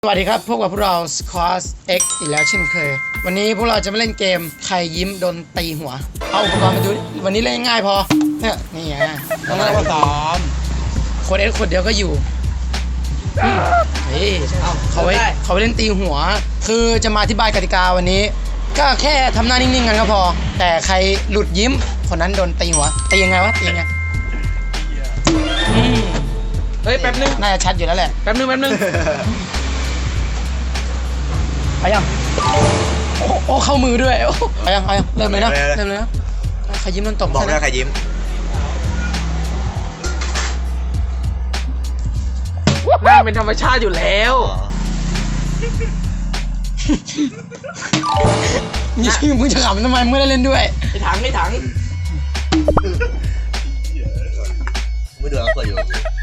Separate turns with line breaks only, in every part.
สวัสดีครับพบกับพวกเรา Squad X อีกแล้วเช่นเคยวันนี้พวกเราจะมาเล่นเกมใครยิ้มโดนตีหัวเอาอุปกรณ์มาดูวันนี้เล่นง่ายพอเนี่ยนี่ไงต้องเล่นว่าซ้อมคนเอ็กคนเดียวก็อยู่นี่เขาไว้เล่นตีหัวคือจะมาอธิบายกติกาวันนี้ก็แค่ทำหน้านิ่งๆกันก็พอแต่ใครหลุดยิ้มคนนั้นโดนตีหัวตียังไงวะตียังไง
เฮ้ยแป๊บนึง
น่าจะชัดอยู่แล้วแหละ
แป๊บนึง
ไปยังโอ้เข้ามือด้วยไปยังเริ่มเลยนะใครยิ้มโดนตบ
บอกได้ใครยิ้ม
หน้าเป็นธรรมชาติอยู่แล้ว
มึงจะขำทำไมมึงได้เล่นด้วย
ไอ้ถัง
ไม่ดูแล้วเปิดอยู่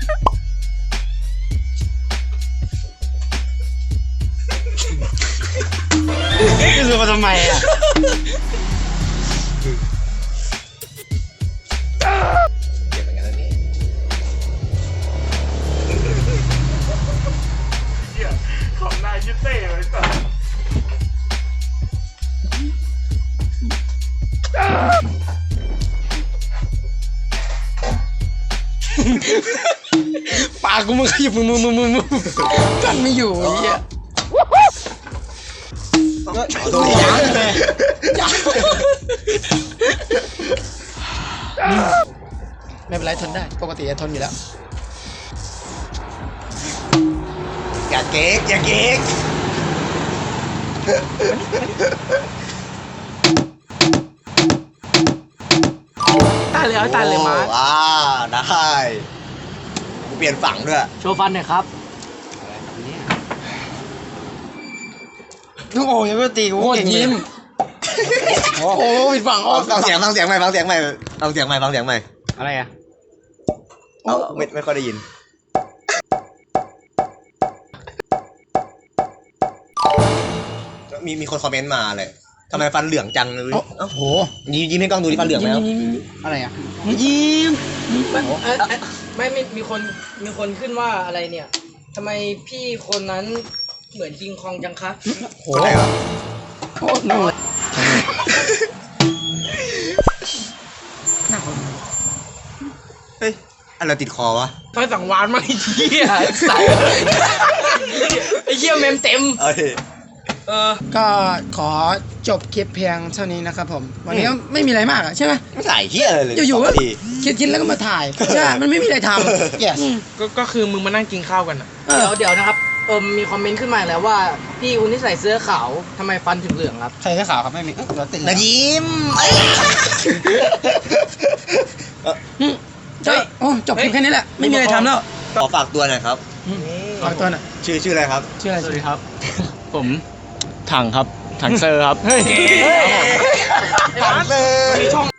นี่คือมาทำไมอ่ะ
เก็บเหมือนกันแล้วนี่
ของนายชิเต้เลยก่อน
ปากกูมึงขยับมือกันไม่อยู่ไอ้เหี้ยไม่เป็นไรทนได้ปกติจะทนอยู่แล้ว
อย่าเก๊ก
ตายเลยมา
ได้กูเปลี่ยนฝั่งด้วย
โชว์ฟันหน่อยครับ
โอ้ยยังไม่ตีกูโคตรยิ้มโอ้ผิดฝั่ง
ฟังเสียงใหม่
อะไรอ่ะ
ไม่ค่อยได้ยินมีคนคอมเมนต์มาเลยทำไมฟันเหลืองจังเลย
โอ้โห
ยิ้มให้กล้องดูดิฟันเหลืองแล้ว
อะไรอ่ะ
ยิ้มไม่มีคนขึ้นว่าอะไรเนี่ยทำไมพี่คนนั้นเหมือนคิงคองจังคะ
โหอะไรวะ
โคตรหนุ่ม
เฮ้ยอะไรติดคอวะ
ทำไมสังวานมาไอ้เหี้ยใส่ไอ้เหี้ยเมมเต็ม
ก็ขอจบคลิปเพียงเท่านี้นะครับผมวันนี้ก็ไม่มีอะไรมากใช่ไหม
ไม่ถ่ายเหี้ยอะไรเลย
อยู่ๆก็คิดแล้วก็มาถ่ายใช่มันไม่มีอะไรทำ yes
ก็คือมึงมานั่งกินข้าวกันอะเดี๋ยวนะครับมีคอมเมนต์ขึ้นมาแล้วว่าพี่คุณที่ใส่เสื้อขาวทำไมฟันถึงเหลืองครับ
ใส่เสื้อขาวครับไม่มีเราติด
นะยิ้ม
จบคลิปแค่นี้แหละไม่มีอะไรทำแล้ว
ขอฝากตัวหน่อยครับ
ฝากตัวหน่อย
ชื่ออะไรครับ
ชื่ออะไร
สวัสดีครับผมถังครับถังเซอร์ครับ
ถังเซอร์